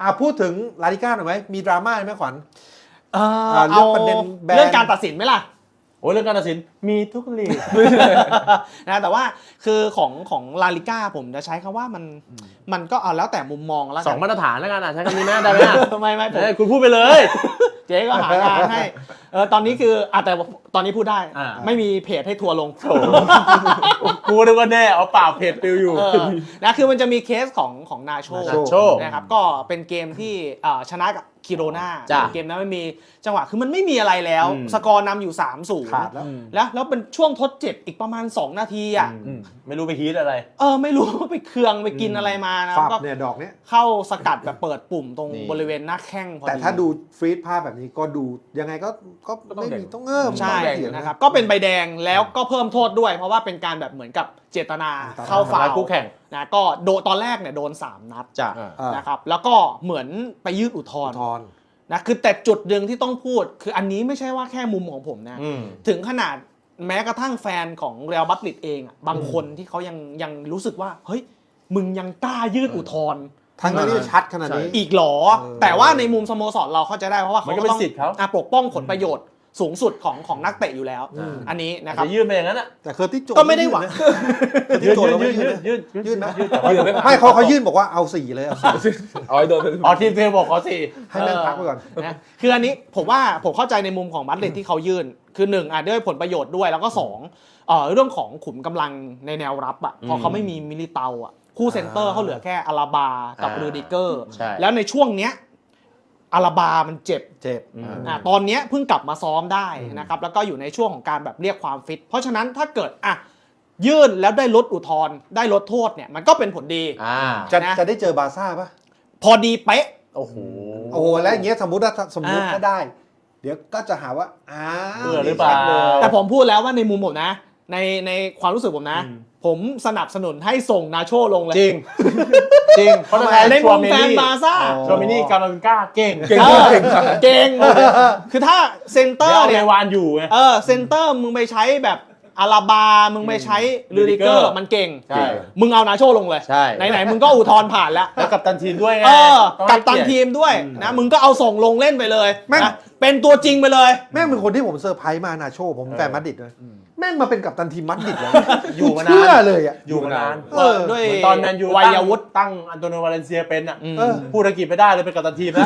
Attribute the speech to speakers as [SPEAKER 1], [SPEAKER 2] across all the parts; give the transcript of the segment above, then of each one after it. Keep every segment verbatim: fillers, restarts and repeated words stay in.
[SPEAKER 1] อ่ะพูดถึงลาลิก้าหน่อยไหมมีดราม่าไหมขวัญ
[SPEAKER 2] เออ
[SPEAKER 1] เรื่องประเด็นแบน
[SPEAKER 2] เรื่องการตัดสินไหมล่ะ
[SPEAKER 3] โอ้ยเรื่องการตัดสินมีทุกลีก
[SPEAKER 2] นะแต่ว่าคือของของลาลิก้าผมจะใช้คำว่ามันมันก็เอาแล้วแต่มุมมองแล้ว
[SPEAKER 3] สองมาตรฐานแล้วกันอ่ะใช้คำนี้ไหมได้ไหมอ่ะ
[SPEAKER 2] ไม่ไม่ผม
[SPEAKER 3] เอ้ยคุณพูดไปเลย
[SPEAKER 2] เจ๊ก็หางานให้เออตอนนี้คืออ่ะแต่ตอนนี้พูดได้
[SPEAKER 3] อ่า
[SPEAKER 2] ไม่มีเพจให้ทัวร์ลง
[SPEAKER 3] โถกูนึกว่าแน่เอาเปล่าเพจปิวอยู่
[SPEAKER 2] เออนะคือมันจะมีเคสของของนาโช
[SPEAKER 1] นาโช
[SPEAKER 2] นะครับก็เป็นเกมที่เอ่อชนะกับคิโรนา
[SPEAKER 3] จ้ะ
[SPEAKER 2] เกมนั้นไม่มีจังหวะคือมันไม่มีอะไรแล้ว
[SPEAKER 3] อืม
[SPEAKER 2] สกอร์นำอยู่ สามศูนย์
[SPEAKER 1] ขาดแล้ว
[SPEAKER 2] แล้วแล้วเป็นช่วงทดเจ็บอีกประมาณ สอง นาทีอ่ะ
[SPEAKER 3] อืมไม่รู้ไปฮีทอะไร
[SPEAKER 2] เออไม่รู้ว่าไปเคืองไปกินอะไรมานะ
[SPEAKER 1] ฟับ
[SPEAKER 2] ก็
[SPEAKER 1] เนี่ยดอกเนี้ย
[SPEAKER 2] เข้าสกัดแบบเปิดปุ่มตรง
[SPEAKER 3] นี่
[SPEAKER 2] บริเวณหน้าแข้งพอดี
[SPEAKER 1] แต่ถ้าดูฟรีดภาพแบบนี้ก็ดูยังไงก็ก็
[SPEAKER 3] ก็ต้อง
[SPEAKER 1] ไม่
[SPEAKER 3] แดง
[SPEAKER 1] มีต้องเงิม
[SPEAKER 2] ใช่
[SPEAKER 1] ต้องแดงอยู่
[SPEAKER 2] นะครับก็เป็นใบแดงแล้วก็เพิ่มโทษด้วย เพราะว่าเป็นการแบบเหมือนกับเจตนา
[SPEAKER 1] เจตนา
[SPEAKER 2] เข้าฟาว
[SPEAKER 3] ทำร้ายคู่แข่ง
[SPEAKER 2] นะก็โดนตอนแรกเนี่ยโดนสามนัด
[SPEAKER 3] จ้ะ
[SPEAKER 1] อ่า
[SPEAKER 2] นะครับแล้วก็เหมือนไปยื่นอุทธรณ์
[SPEAKER 1] ทอน
[SPEAKER 2] นะคือแต่จุดหนึ่งที่ต้องพูดคืออันนี้ไม่ใช่ว่าแค่มุมของผมนะ
[SPEAKER 3] อืม
[SPEAKER 2] ถึงขนาดแม้กระทั่งแฟนของเรอัลมาดริดเองอะบางคนที่เขายังยังรู้สึกว่าเฮ้ยมึงยังกล้ายื่นอุทธรณ์
[SPEAKER 1] ทั้งที่ชัดขนาดนี้
[SPEAKER 2] อีกหรอ
[SPEAKER 1] เออ
[SPEAKER 2] แต่ว่าในมุมสโมสรเราเข้าใจได้เพราะว่า
[SPEAKER 3] มัน
[SPEAKER 2] เขา
[SPEAKER 3] ก็เป็น
[SPEAKER 2] ต้อง
[SPEAKER 3] สิทธิ์เขา
[SPEAKER 2] อ่ะปกป้องผลประโยชน์สูงสุดของของนักเตะอยู่แล้ว
[SPEAKER 1] อืม
[SPEAKER 2] อันนี้นะครับ
[SPEAKER 3] จะยื่นไปอย่างนั้นอ่ะ
[SPEAKER 1] แต่เคอร์ติสโจน
[SPEAKER 2] ก็ไม่ได้หวัง
[SPEAKER 1] เคอร์ติสโจนเราไม่ยื่นนะ
[SPEAKER 3] ยื่น
[SPEAKER 1] ยื่นไหม
[SPEAKER 3] ยื่นแต่ว่า
[SPEAKER 1] ไม่เขาเขายื่นบอกว่าเอาสี่เลยเอาสี่
[SPEAKER 4] เอาให้โดน
[SPEAKER 3] อ๋อทีมเทลบอกขอสี่
[SPEAKER 1] ให้แม่งพักไปก่อน
[SPEAKER 2] นะคืออันนี้ผมว่าผมเข้าใจในมุมของมาดริดที่เขายื่น คือหนึ่งอ่ะด้วยผลประโยชน์ด้วยแล้วก็สองเอ่อเรื่องของขุมกำลังในแนวรับอ่ะพอเขาไม่มีมิลิเตาอ่ะคู่เซนเตอร์เขาเหลือแค่อาราบากับ
[SPEAKER 3] อ่า
[SPEAKER 2] รูดิเกอร์
[SPEAKER 3] ใช่
[SPEAKER 2] แล้วในช่วงเนี้ยอาราบามันเจ็บ
[SPEAKER 1] เจ็บ
[SPEAKER 3] อืม
[SPEAKER 2] อ่ะตอนเนี้ยเพิ่งกลับมาซ้อมได้นะครับแล้วก็อยู่ในช่วงของการแบบเรียกความฟิต เพราะฉะนั้นถ้าเกิดอ่ะยื่นแล้วได้ลดอุทธรณ์ได้ลดโทษเนี่ยมันก็เป็นผลดี
[SPEAKER 3] อ่า
[SPEAKER 1] จะ
[SPEAKER 2] นะ
[SPEAKER 1] จะได้เจอบาร์ซ่าป่ะ
[SPEAKER 2] พอดีเป๊ะ
[SPEAKER 3] โอ้โห
[SPEAKER 1] โอ้โหแล้วอย่างเงี้ยสมมติว่าสมมติ
[SPEAKER 2] อ่า
[SPEAKER 1] ถ้าได้ เดี๋ยวก็จะหาว่าอ้า
[SPEAKER 3] เบื่อหรือเปล่า
[SPEAKER 1] ชัดเลย
[SPEAKER 2] แต่ผมพูดแล้วว่าในมุมผมนะ ในในความรู้สึกผมนะ
[SPEAKER 3] อืม
[SPEAKER 2] ผมสนับสนุนให้ส่งนาโชลงเลย
[SPEAKER 3] จริง จริงเพราะทำไม
[SPEAKER 2] ในมุมแฟนบาร์ซ่า
[SPEAKER 3] โชมินี่กามาวินก้าเก่ง
[SPEAKER 2] เก่งเก่งคือถ้าเซนเตอ
[SPEAKER 3] เดี๋ยว
[SPEAKER 2] ร์
[SPEAKER 3] เอา
[SPEAKER 2] เนี่
[SPEAKER 3] ใน
[SPEAKER 2] ยว
[SPEAKER 3] านอยู่ไง
[SPEAKER 2] เออเซนเตอร์มึงไปใช้แบบอาราบา มึงไปใช้ลูดิเกอร์
[SPEAKER 3] Rudiger
[SPEAKER 2] มันเก่ง
[SPEAKER 3] ใช่
[SPEAKER 2] มึงเอานาโชลงเลย
[SPEAKER 3] ใช่
[SPEAKER 2] ไหนๆมึงก็อุทธรณ์ผ่านแล้ว
[SPEAKER 3] แล้วกับตันทีมด้วยไง
[SPEAKER 2] เออ
[SPEAKER 3] ต้อง
[SPEAKER 2] กั
[SPEAKER 3] ให้
[SPEAKER 2] บตัน
[SPEAKER 3] เกียรติ
[SPEAKER 2] ทีมด้วยนะมึงก็เอาส่งลงเล่นไปเลย
[SPEAKER 1] แม่ง
[SPEAKER 2] นะเป็นตัวจริงไปเลย
[SPEAKER 1] แม่งเป็นคนที่ผมเซอร์ไพรส์มานาโชผมแฟนมาดริดเลยแม่งมาเป็นกัปตันทีมมัดริดเลย
[SPEAKER 3] อยู่มานาน
[SPEAKER 1] เชื่อเลยอ่ะ
[SPEAKER 3] อยู่มานาน
[SPEAKER 1] เออ
[SPEAKER 2] ด้วย
[SPEAKER 3] เหมือนตอนแมนยู
[SPEAKER 2] วั
[SPEAKER 3] ตั้ง
[SPEAKER 2] ยวุฒิ
[SPEAKER 3] ตั้งอันโตนิโอวาเลนเซียเป็นอ่ะ
[SPEAKER 1] เออ
[SPEAKER 3] พูดอังกฤษไม่ได้เลยเป็นกัปตันทีมแล้ว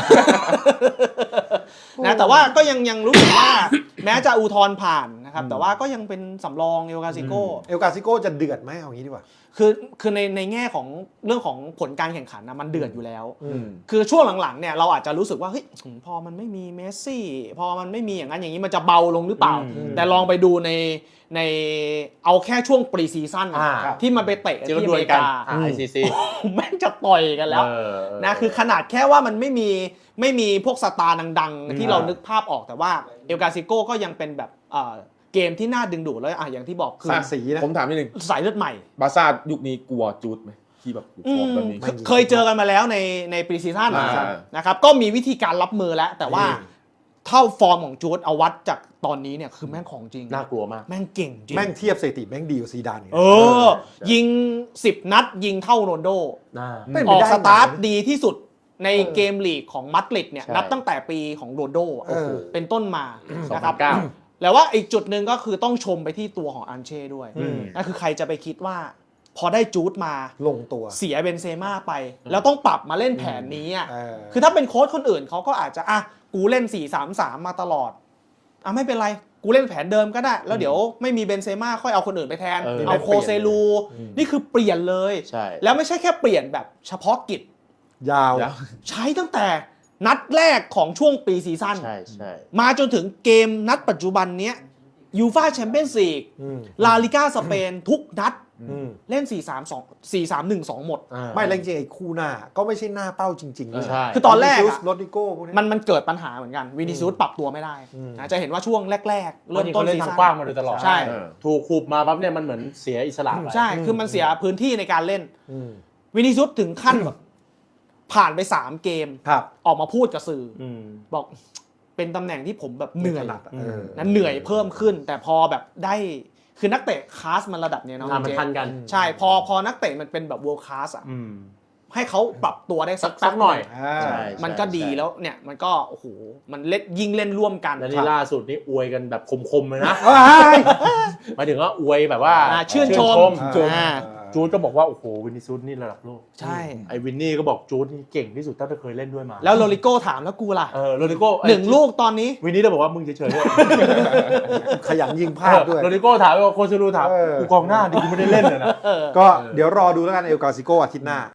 [SPEAKER 2] นะแต่ว่าก็ยังยังรู้สึกว่า แม้จะอุทธรณ์ผ่านนะครับแต่ว่าก็ยังเป็นสำรองเอลกาซิโก
[SPEAKER 1] เอลกาซิโก้จะเดือดไหมเอางี้ดีกว่า
[SPEAKER 2] คือคือในในแง่ของเรื่องของผลการแข่งขันนะมันเดือดอยู่แล้ว
[SPEAKER 1] อืม
[SPEAKER 2] คือช่วงหลังๆเนี่ยเราอาจจะรู้สึกว่าเฮ้ยพอมันไม่มีเมสซี่พอมันไม่มีอย่างนั้นอย่างนี้มันจะเบาลงหรือเปล่า
[SPEAKER 3] อืม
[SPEAKER 2] แต่ลองไปดูในในเอาแค่ช่วงปรีซีซั่น
[SPEAKER 3] อ่า
[SPEAKER 2] ที่มันไปเตะ
[SPEAKER 3] เจอ
[SPEAKER 2] ที่
[SPEAKER 3] กัน
[SPEAKER 2] อ
[SPEAKER 3] ด้ว
[SPEAKER 2] เม
[SPEAKER 3] ย
[SPEAKER 2] ริ
[SPEAKER 3] กัน
[SPEAKER 2] กา
[SPEAKER 3] ไอซีซี
[SPEAKER 2] แม่งจะต่อยกันแล้ว
[SPEAKER 3] เออ
[SPEAKER 2] นะคือขนาดแค่ว่ามันไม่มีไม่มีพวกสตาร์ดังๆ ที่เรานึกภาพออกแต่ว่าเอลกาซิโกก็ยังเป็นแบบเอ่อเกมที่น่าดึงดูดแล้วอ่ะอย่างที่บอกคือ
[SPEAKER 1] สามสีนะ
[SPEAKER 4] ผมถามนิดนึง
[SPEAKER 2] สายเลือดใหม่
[SPEAKER 4] บาร์ซ่ายุคนี้กลัวจูดไหมที่แบบ
[SPEAKER 2] อื
[SPEAKER 4] ฟอร์ม
[SPEAKER 2] ม
[SPEAKER 4] แบบนี้
[SPEAKER 1] ไม่
[SPEAKER 2] เคยเจอกันมาแล้วในในปรีซีซั่น
[SPEAKER 4] อ่า
[SPEAKER 2] นะครับก็มีวิธีการรับมือแล้ว แต่ว่า
[SPEAKER 1] อืม
[SPEAKER 2] เท่าฟอร์มของจูดเอาวัดจากตอนนี้เนี่ยคือแม่งของจริง
[SPEAKER 3] น่ากลัวมาก
[SPEAKER 2] แม่งเก่งจริง
[SPEAKER 1] แม่งเทียบสถิติแม่งดีกว่าซีดานอีก
[SPEAKER 2] เออ ยิงสิบนัดยิงเท่าโรนลโด
[SPEAKER 3] น่า
[SPEAKER 1] เป็น
[SPEAKER 2] อ
[SPEAKER 1] ไป
[SPEAKER 2] อก
[SPEAKER 1] ได้
[SPEAKER 2] สตาร์ท
[SPEAKER 1] ไง
[SPEAKER 2] ดีที่สุดในเกมลีกของมัดริดเนี่ย
[SPEAKER 3] ใช่
[SPEAKER 2] นับตั้งแต่ปีของโรนลโดอะ
[SPEAKER 1] เออ
[SPEAKER 2] เป็นต้นมา
[SPEAKER 3] สอง
[SPEAKER 2] นะค
[SPEAKER 3] พั
[SPEAKER 2] รั
[SPEAKER 3] น
[SPEAKER 2] บ
[SPEAKER 3] เก้า
[SPEAKER 2] แล้วว่าอีกจุดหนึ่งก็คือต้องชมไปที่ตัวของอันเช่ด้วย
[SPEAKER 1] อืม
[SPEAKER 2] นั่นคือใครจะไปคิดว่า พอได้จูดมา
[SPEAKER 1] ลงตัว
[SPEAKER 2] เสียเบนเซม่าไป แล้วต้องปรับมาเล่นแผนนี้อ่ะ
[SPEAKER 1] เออ
[SPEAKER 2] คือถ้าเป็นโค้ชคนอื่นเขาก็อาจจะอ่ะกูเล่น สี่ สาม สาม มาตลอดอ่ะไม่เป็นไรกูเล่นแผนเดิมก็ได้ แล้วเดี๋ยวไม่มีเบนเซม่าค่อยเอาคนอื่นไปแทน
[SPEAKER 3] เออ
[SPEAKER 2] เอาโคเซลู นี่คือเปลี่ยนเลย
[SPEAKER 3] ใช่
[SPEAKER 2] แล้วไม่ใช่แค่เปลี่ยนแบบเฉพาะกิจ
[SPEAKER 1] ยาว
[SPEAKER 4] ยาว
[SPEAKER 2] ใช้ตั้งแต่นัดแรกของช่วงปีซีซั่น
[SPEAKER 3] ใช่ใช่
[SPEAKER 2] มาจนถึงเกมนัดปัจจุบันเนี้ยยูฟ่าแชมเปี้ยนส์ลีก
[SPEAKER 1] อืม
[SPEAKER 2] ลาลิก้าสเปนทุกนัด
[SPEAKER 1] อืม
[SPEAKER 2] เล่น สี่ สาม สอง สี่ สาม หนึ่ง สอง หมด
[SPEAKER 3] อ่า
[SPEAKER 1] ไม่แล้วจริงๆไอ้คู่หน้าก็ไม่ใช่หน้าเป้าจริงๆเลย
[SPEAKER 3] ใช่
[SPEAKER 2] คือตอนแรก
[SPEAKER 1] วินิ
[SPEAKER 2] อะ
[SPEAKER 1] ซิสโรดริโก้พวกนี้
[SPEAKER 2] มันมันเกิดปัญหาเหมือนกันวินิซูสปรับตัวไม่ได้
[SPEAKER 1] อืม
[SPEAKER 2] นะจะเห็นว่าช่วงแรก ๆ
[SPEAKER 3] เริ่
[SPEAKER 2] เริ่
[SPEAKER 3] ม
[SPEAKER 2] ม
[SPEAKER 3] ต้
[SPEAKER 2] ต้
[SPEAKER 3] น
[SPEAKER 2] น
[SPEAKER 3] เล่น
[SPEAKER 2] ซี
[SPEAKER 3] ทาง
[SPEAKER 2] ซั่น
[SPEAKER 3] กว้างมาโดยตลอด
[SPEAKER 2] ใช่
[SPEAKER 3] เออถูกขูบมาปั๊บเนี่ยมันเหมือนเสียอิสระไป
[SPEAKER 2] ใช่ คือมันเสียพื้นที่ในการเล่น
[SPEAKER 1] อืม
[SPEAKER 2] วินิซูสถึงขั้นแบบผ่านไปสามเกม
[SPEAKER 1] ครับ
[SPEAKER 2] ออกมาพูดกับสื่ออ
[SPEAKER 3] อืม
[SPEAKER 2] บอกเป็นตำแหน่งที่ผมแบบเหนื่อย
[SPEAKER 1] ไม่ถนัดอะเออ
[SPEAKER 2] นั้นเหนื่อยเพิ่มขึ้น แต่พอแบบได้คือนักเตะคลาสมันระดับเนี้ยเนาะ
[SPEAKER 3] อ่ามัน
[SPEAKER 2] เจ๊
[SPEAKER 3] ทันกัน
[SPEAKER 2] ใช่พอพอนักเตะมันเป็นแบบ world class อ่ะ
[SPEAKER 3] อืม
[SPEAKER 2] ให้เขาปรับตัวได้สัก
[SPEAKER 3] สักหน่อย
[SPEAKER 1] อ่า
[SPEAKER 3] ใช่
[SPEAKER 2] มันก็ดีแล้วเนี่ยมันก็โอ้โหมันเล่นยิ่งเล่นร่วมกัน
[SPEAKER 3] แล้วนี่ล่าสุดนี่อวยกันแบบคมๆเลยนะ
[SPEAKER 1] เอ้ย
[SPEAKER 3] หมายถึงว่าอวยแบบว่า
[SPEAKER 2] อ่าชื่นชม อ่า
[SPEAKER 3] จูดก็บอกว่าโอ้โหวินนี่ซูดนี่ระดับโลก
[SPEAKER 2] ใช่
[SPEAKER 3] ไอ้วินนี่ก็บอกจูดนี่เก่งที่สุดเท่าที่เคยเล่นด้วยมา
[SPEAKER 2] แล้วโรลิโก้ถามแล้วกูล่ะ
[SPEAKER 3] เออโรดิโก้
[SPEAKER 2] หนึ่งลูกตอนนี้
[SPEAKER 3] วินนี่ก็บอกว่ามึงเฉยๆด้วย
[SPEAKER 1] ขยันยิงพลาดด้วย
[SPEAKER 3] โรดิโก้ถามว่าโคซูรูถาม
[SPEAKER 1] เออ
[SPEAKER 3] กูกองหน้าดิกูไม่ได้เล่นเลยนะ
[SPEAKER 2] เออ
[SPEAKER 1] ก็เดี๋ยวรอดูแล้วกันเอลกาซิโกอาทิตย์หน้า